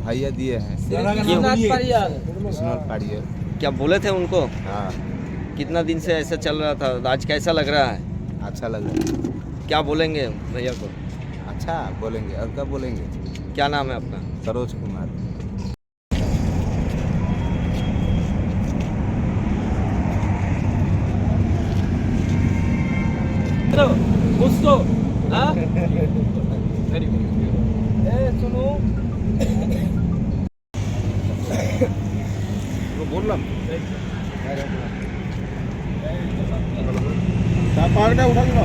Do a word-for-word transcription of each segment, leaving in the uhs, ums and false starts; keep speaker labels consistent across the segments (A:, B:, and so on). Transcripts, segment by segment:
A: भैया दिए हैं। विश्वनाथ पाड़ियर।
B: क्या बोले थे उनको?
A: हाँ,
B: कितना दिन से ऐसा चल रहा था, आज कैसा लग रहा है?
A: अच्छा लग रहा है।
B: क्या बोलेंगे भैया को?
A: अच्छा बोलेंगे, और क्या बोलेंगे।
B: क्या नाम है आपका?
A: सरोज कुमार।
C: বুঝতো হ্যাঁ ভেরি গুড এ শুনো
A: বললাম তার পাহাড়টা উঠাল না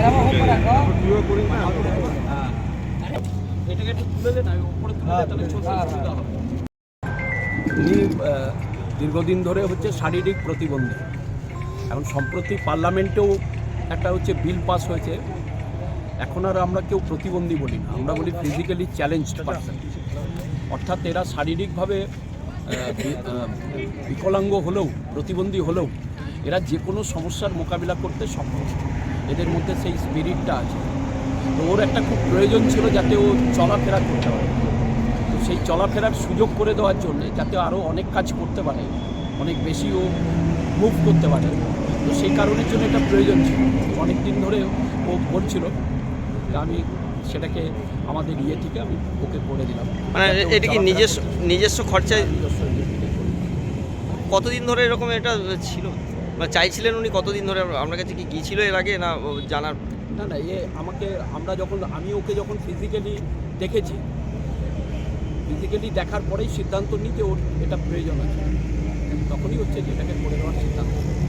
C: এটাকে একটু তুলে দেন, আমি উপরে তুলে দেন, তাহলে ছোট সুবিধা হবে। উনি আহ, দীর্ঘদিন ধরে হচ্ছে শারীরিক প্রতিবন্ধী। এখন সম্প্রতি পার্লামেন্টেও একটা হচ্ছে বিল পাস হয়েছে, এখন আর আমরা কেউ প্রতিবন্ধী বলি না, আমরা বলি ফিজিক্যালি চ্যালেঞ্জড পারসন। অর্থাৎ এরা শারীরিকভাবে আহ, বি- আহ, বিকলাঙ্গ হলেও, প্রতিবন্ধী হলেও এরা যে কোনো সমস্যার মোকাবিলা করতে সক্ষম। এদের মধ্যে সেই স্পিরিটটা আছে। তো ওর একটা খুব প্রয়োজন ছিল যাতে ও চলাফেরা করতে পারে। তো সেই চলাফেরার সুযোগ করে দেওয়ার জন্য যাতে আরও অনেক কাজ করতে পারে, অনেক বেশি ও মুভ করতে পারে, তো সেই কারণের জন্য এটা প্রয়োজন ছিল। অনেক দিন ধরে ও বলছিল, আমি সেটাকে আমাদের ইয়ে থেকে আমি ওকে করে দিলাম।
B: মানে এটা কি নিজস্ব নিজস্ব খরচায়?
C: নিজস্ব ইয়ে থেকে করে দিলাম।
B: কতদিন ধরে এরকম এটা ছিল, মানে চাইছিলেন উনি কতদিন ধরে? আপনার কাছে কি গিয়েছিল এর আগে, না ও জানার?
C: না না এ আমাকে, আমরা যখন আমি ওকে যখন ফিজিক্যালি দেখেছি, ফিজিক্যালি দেখার পরেই সিদ্ধান্ত নিই যে ওর এটা প্রয়োজন আছে, তখনই হচ্ছে যে এটাকে করে দেওয়ার সিদ্ধান্ত।